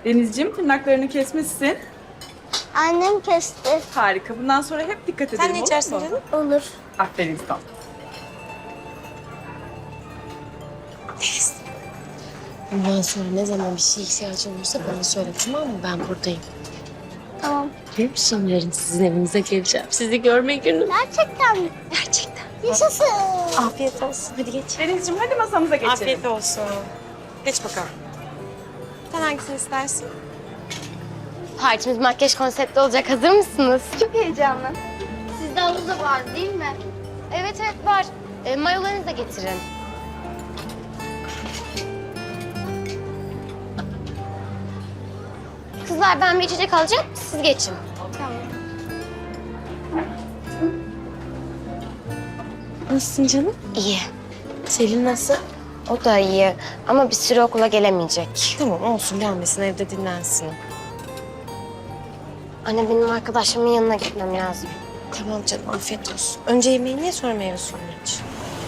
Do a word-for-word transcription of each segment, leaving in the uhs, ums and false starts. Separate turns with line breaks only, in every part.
Denizciğim tırnaklarını kesmişsin.
Annem kesti.
Harika. Bundan sonra hep dikkat edelim.
Sen ne içersin
olur mu?
canım?
Olur.
Aferin sana.
Bundan sonra ne zaman bir şey ihtiyacın olursa bana söyle, tamam mı? Ben buradayım.
Tamam.
Biliyor musun, yarın sizin evinize geleceğim. Sizi görme günü.
Gerçekten mi?
Gerçekten.
Yaşasın.
Afiyet olsun. Hadi geç.
Denizciğim hadi masamıza geçelim.
Afiyet olsun. Geç bakalım. Sen hangisini istersin?
Partimiz makyaj konseptli olacak. Hazır mısınız?
Çok heyecanlı.
Sizde havuz da var değil mi? Evet evet var. E, mayolarınızı da getirin. Kızlar ben bir içecek alacağım. Siz geçin.
Tamam.
Nasılsın canım?
İyi.
Selin nasıl?
O da iyi. Ama bir süre okula gelemeyecek.
Tamam olsun, gelmesin, evde dinlensin.
Anne benim arkadaşımın yanına gitmem lazım.
Tamam canım, afiyet olsun. Önce yemeğini ye, sonra meyve suyunu iç.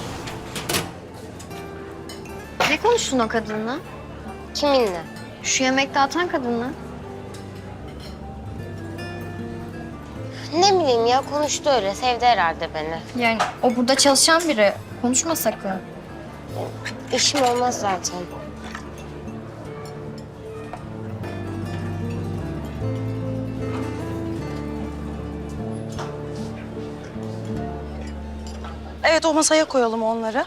Ne konuştun o kadınla?
Kiminle?
Şu yemek dağıtan kadınla.
Ne bileyim ya, konuştu öyle. Sevdi herhalde beni.
Yani o burada çalışan biri. Konuşma sakın.
İşim olmaz zaten.
Evet, o masaya koyalım onları.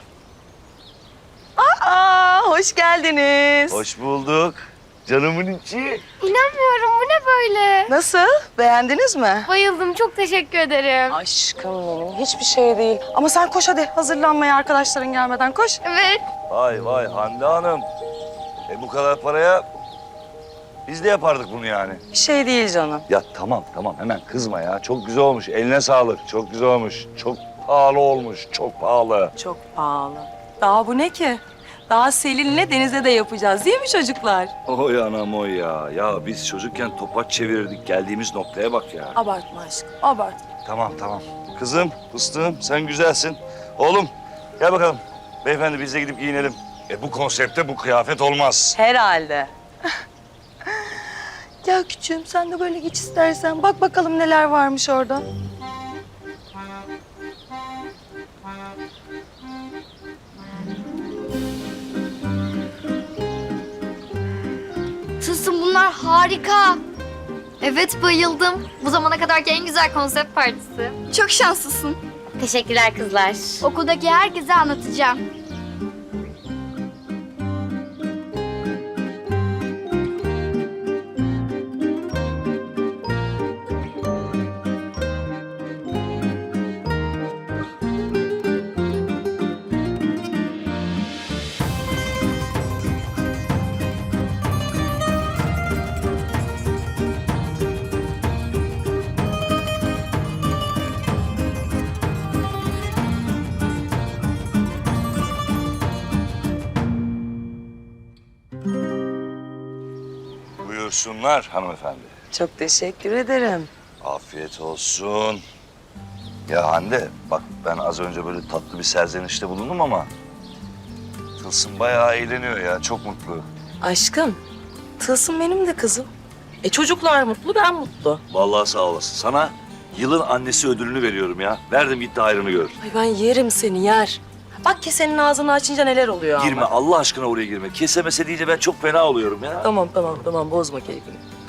Aa, hoş geldiniz.
Hoş bulduk. Canımın içi.
İnanmıyorum, bu ne böyle?
Nasıl? Beğendiniz mi?
Bayıldım, çok teşekkür ederim.
Aşkım benim, hiçbir şey değil. Ama sen koş hadi, hazırlanmaya arkadaşların gelmeden koş.
Evet.
Vay vay Hande Hanım. E bu kadar paraya biz de yapardık bunu yani.
Bir şey değil canım.
Ya tamam tamam hemen kızma ya. Çok güzel olmuş. Eline sağlık. Çok güzel olmuş. Çok pahalı olmuş. Çok pahalı.
Çok pahalı. Daha bu ne ki? Daha Selin'le Deniz'e de yapacağız değil mi çocuklar?
Oy anam oy ya. Ya biz çocukken topaç çevirirdik. Geldiğimiz noktaya bak ya.
Abartma aşkım, abart.
Tamam tamam. Kızım, fıstığım sen güzelsin. Oğlum gel bakalım. Beyefendi biz de gidip giyinelim. E bu konsepte bu kıyafet olmaz.
Herhalde. Ya küçüğüm sen de böyle geç istersen. Bak bakalım neler varmış orada.
Tılsım bunlar harika. Evet bayıldım. Bu zamana kadarki en güzel konsept partisi.
Çok şanslısın.
Teşekkürler kızlar.
Okuldaki herkese anlatacağım.
Buyursunlar hanımefendi.
Çok teşekkür ederim.
Afiyet olsun. Ya Hande bak ben az önce böyle tatlı bir serzenişte bulundum ama Tılsım bayağı eğleniyor ya, çok mutlu.
Aşkım, Tılsım benim de kızım. E çocuklar mutlu, ben mutlu.
Vallahi sağ olasın. Sana yılın annesi ödülünü veriyorum ya. Verdim gitti hayrını gör.
Ay ben yerim seni, yer. Bak kesenin ağzını açınca neler oluyor
Girme
ama.
Allah aşkına oraya girme. Kesemese deyince ben çok fena oluyorum ya.
Tamam, tamam, tamam. Bozma keyfini.